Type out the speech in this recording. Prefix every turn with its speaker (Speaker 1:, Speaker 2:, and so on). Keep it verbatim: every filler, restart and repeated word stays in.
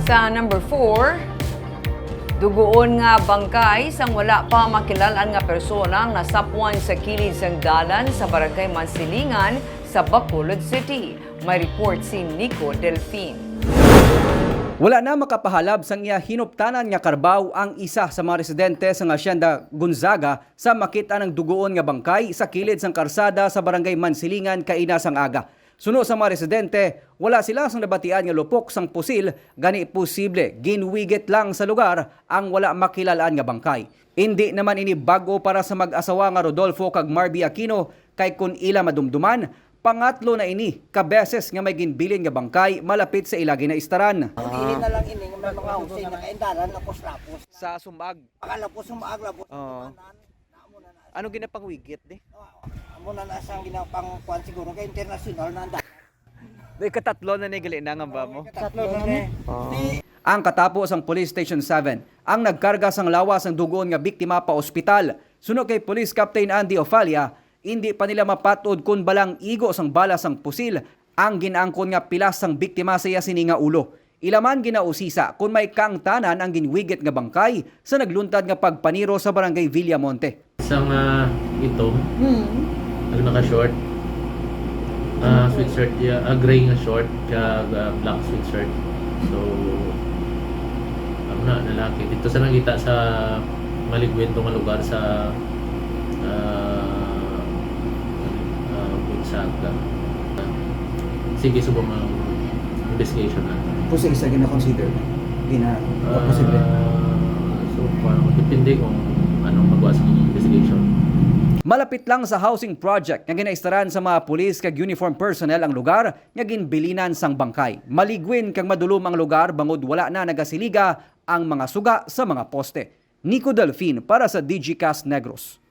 Speaker 1: Sa number four, dugoon nga bangkay sang wala pa makilalan nga persona nga sapwan sa kilid sang dalan sa Barangay Mansilingan sa Bacolod City. May report si Nico Delfin.
Speaker 2: Wala na makapahalab sang iya hinuptanan nga karbaw ang isa sa mga residente sa Hacienda Gonzaga sa makita ng dugoon nga bangkay sa kilid sang karsada sa Barangay Mansilingan kaina sang aga. Suno sa mga residente, wala sila sang nabatian nga lupok sang pusil, gani posible ginwigit lang sa lugar ang wala makilalaan nga bangkay. Hindi naman ini bago para sa mag-asawa nga Rodolfo kag Marby Aquino kay kun ila madumduman, pangatlo na ini kabeses nga may ginbilin nga bangkay malapit sa ilagi na istaran.
Speaker 3: Dili na lang ini nga may mga husay na kaindaran lapos-lapos.
Speaker 2: Sa sumbag.
Speaker 3: Pakalapos sumaag lapos.
Speaker 2: Oo. Ano ginapangwigit di?
Speaker 3: Amo na na sang ginapang kuan siguro kay international na anda.
Speaker 2: Di katatlo na ni galinangan ba mo?
Speaker 3: Tatlo na ni.
Speaker 2: Ang katapos ang Police Station seven, ang nagkarga sang lawas ang dugoon nga biktima pa ospital. Suno kay Police Captain Andy Ofalia, hindi pa nila mapatod kung balang igo sang bala sang pusil ang ginaangkon nga pilas sang biktima sa yasini nga ulo. Ilaman ginausisa kung may kaangtanan ang ginwigit nga bangkay sa nagluntad nga pagpaniro sa Barangay Villamonte.
Speaker 4: Isang uh, ito, hmm. naka-short, uh, sweatshirt, yeah, uh, gray nga short, kaya uh, black sweatshirt. So, ano na, lalaki. Dito sa nakita sa maligwento nga lugar sa uh, uh, Gonzaga. Uh, sige, subong ang investigation na.
Speaker 2: Kung sa isa gina-consider na, gina
Speaker 4: Uh,
Speaker 2: posible.
Speaker 4: so, parang depende kung anong magawa sa investigation.
Speaker 2: Malapit lang sa housing project nga ginaistaran sa mga pulis kag uniform personnel ang lugar nga ginbilinan sang bangkay. Maligwin kang madulom ang lugar bangod wala na nagasiliga ang mga suga sa mga poste. Nico Delfin para sa D G Cast Negros.